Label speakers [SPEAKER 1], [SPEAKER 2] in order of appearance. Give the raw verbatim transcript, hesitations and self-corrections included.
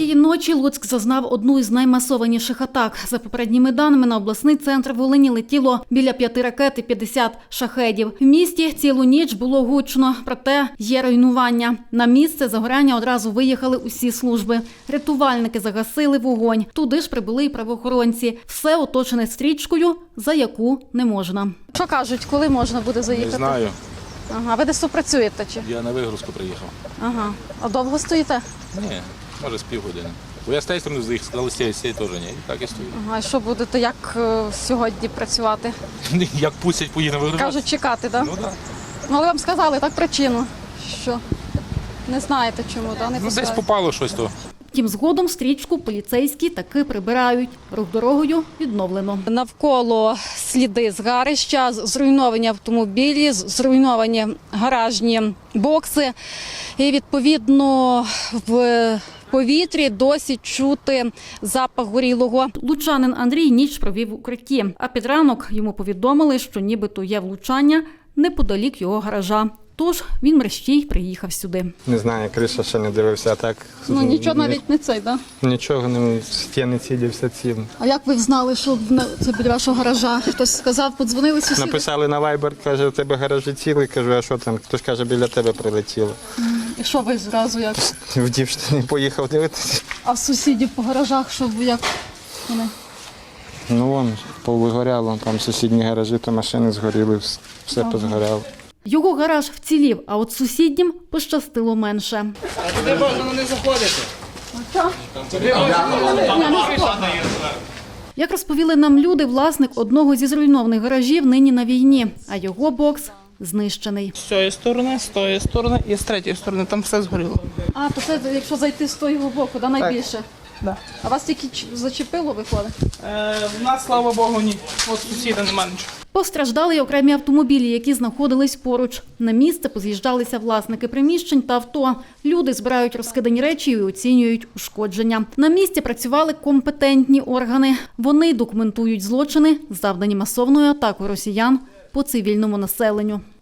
[SPEAKER 1] Цієї ночі Луцьк зазнав одну із наймасованіших атак. За попередніми даними, на обласний центр Волині летіло біля п'яти ракет і п'ятдесят шахедів. В місті цілу ніч було гучно, проте є руйнування. На місце загоряння одразу виїхали усі служби. Рятувальники загасили вогонь. Туди ж прибули і правоохоронці. Все оточене стрічкою, за яку не можна. Що кажуть, коли можна буде заїхати?
[SPEAKER 2] Не знаю.
[SPEAKER 1] Ага, ви десь працюєте чи?
[SPEAKER 2] Я на вигрузку приїхав.
[SPEAKER 1] Ага. А довго стоїте?
[SPEAKER 2] Ні, може з півгодини. Бо я з тієї сторони заїхав, сказали, з цієї з цієї теж ні. І так і стою.
[SPEAKER 1] Ага, і що будете, як е, сьогодні працювати?
[SPEAKER 2] Як пустять, поїду на вигрузку.
[SPEAKER 1] Кажуть, чекати, так?
[SPEAKER 2] Ну так.
[SPEAKER 1] Ну, але вам сказали так причину, що не знаєте чому, так? Не
[SPEAKER 2] Ну десь
[SPEAKER 1] пускають.
[SPEAKER 2] попало щось то.
[SPEAKER 1] Втім, згодом стрічку поліцейські таки прибирають. Рух дорогою відновлено. Навколо сліди згарища, зруйновані автомобілі, зруйновані гаражні бокси. І, відповідно, в повітрі досі чути запах горілого. Лучанин Андрій ніч провів в укритті, а під ранок йому повідомили, що нібито є влучання неподалік його гаража. Тож він мерщій приїхав сюди.
[SPEAKER 3] Не знаю, криша ще не дивився, а так...
[SPEAKER 1] Ну нічого навіть не цей, так?
[SPEAKER 3] Нічого, не стіни цілився цим.
[SPEAKER 1] А як ви знали, що це біля вашого гаража? Хтось сказав, подзвонили сусіди?
[SPEAKER 3] Написали на Viber, каже, у тебе гаражі цілий, кажу, а що там? Хтось каже, біля тебе прилетіло.
[SPEAKER 1] І що ви зразу як?
[SPEAKER 3] В дівчині поїхав дивитися.
[SPEAKER 1] А сусідів по гаражах, що ви як вони?
[SPEAKER 3] Ну вон, повигоряло, там сусідні гаражі, то машини згоріли, все
[SPEAKER 1] Ага.
[SPEAKER 3] позгоряло.
[SPEAKER 1] Його гараж вцілів, а от сусіднім пощастило менше.
[SPEAKER 4] Туди можна не заходити. Туди можна.
[SPEAKER 1] Як розповіли нам люди, власник одного зі зруйнованих гаражів нині на війні, а його бокс знищений.
[SPEAKER 4] З цієї сторони, з тої сторони і з третьої сторони. Там все згоріло.
[SPEAKER 1] А, то це якщо зайти з того боку, да, найбільше?
[SPEAKER 4] Да.
[SPEAKER 1] А вас тільки ч- зачепило, виходить?
[SPEAKER 4] Е, в нас, слава Богу, ні. От сусіда нема нічого.
[SPEAKER 1] Постраждали й окремі автомобілі, які знаходились поруч. На місце поз'їжджалися власники приміщень та авто. Люди збирають розкидані речі і оцінюють ушкодження. На місці працювали компетентні органи. Вони документують злочини, завдані масовною атакою росіян по цивільному населенню.